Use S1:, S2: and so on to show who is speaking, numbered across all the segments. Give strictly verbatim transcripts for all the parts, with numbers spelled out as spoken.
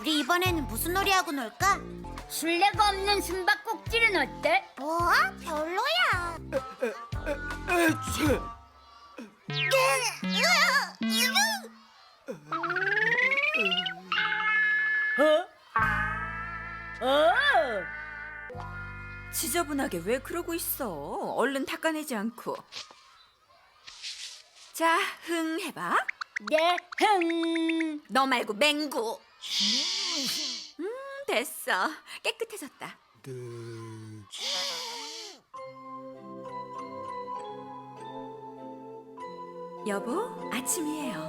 S1: 우리 이번에는 무슨 놀이하고 놀까?
S2: 술래가 없는 숨바꼭질은 어때?
S1: 뭐? 별로야.
S3: 에취.
S2: 어? 어?
S4: 지저분하게 왜 그러고 있어? 얼른 닦아내지 않고. 자, 흥 해봐.
S2: 네, 흥.
S4: 너 말고 맹구. 음, 됐어. 깨끗해졌다.
S3: 네.
S4: 여보, 아침이에요.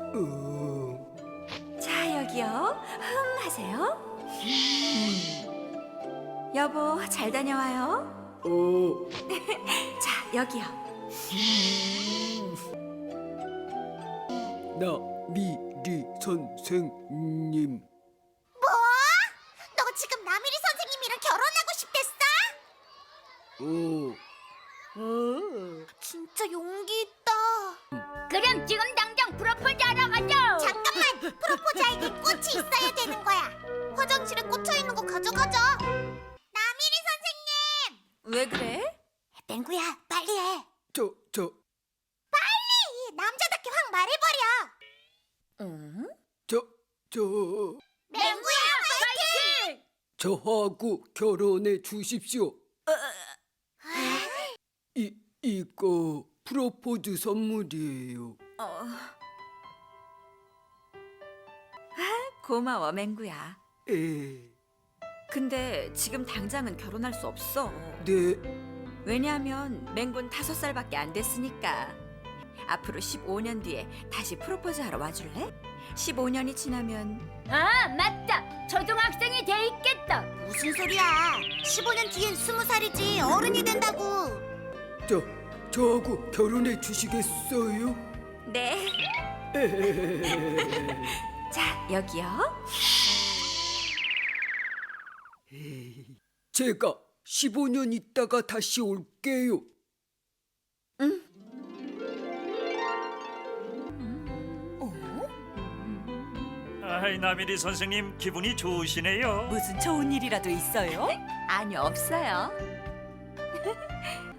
S3: 어.
S4: 자, 여기요. 흥 하세요. 여보, 잘 다녀와요.
S3: 어.
S4: 자, 여기요.
S3: 나미리 선생님.
S1: 뭐? 너 지금 나미리 선생님이랑 결혼하고 싶댔어?
S3: 어.
S2: 오.
S1: 진짜 용기 있다.
S2: 그럼 지금 당장 프로포즈 하러 가자.
S1: 잠깐만, 프로포즈할 꽃이 있어야 되는 거야. 화장실에 꽂혀 있는 거 가져가자. 나미리 선생님!
S4: 왜 그래?
S1: 맹구야, 빨리 해.
S3: 저, 저,
S1: 빨리! 남자답게 확 말해버려.
S4: 응?
S3: 저, 저.
S1: 맹구야,
S2: 파이팅!
S3: 저하고 결혼해 주십시오. 이, 이거 프로포즈 선물이에요.
S4: 어. 아, 고마워, 맹구야.
S3: 에,
S4: 근데 지금 당장은 결혼할 수 없어.
S3: 네.
S4: 왜냐하면 맹군 다섯 살밖에 안 됐으니까. 앞으로 십오 년 뒤에 다시 프로포즈 하러 와줄래? 십오 년이 지나면
S2: 아, 맞다. 초등학생이 돼 있겠다.
S1: 무슨 소리야? 십오 년 뒤엔 스무 살이지 어른이 된다고.
S3: 저, 저하고 결혼해 주시겠어요?
S4: 네. 자, 여기요.
S3: 제가 십오 년 있다가 다시 올게요.
S4: 응.
S5: 아이, 나미리 선생님 기분이 좋으시네요.
S4: 무슨 좋은 일이라도 있어요? 아니, 없어요.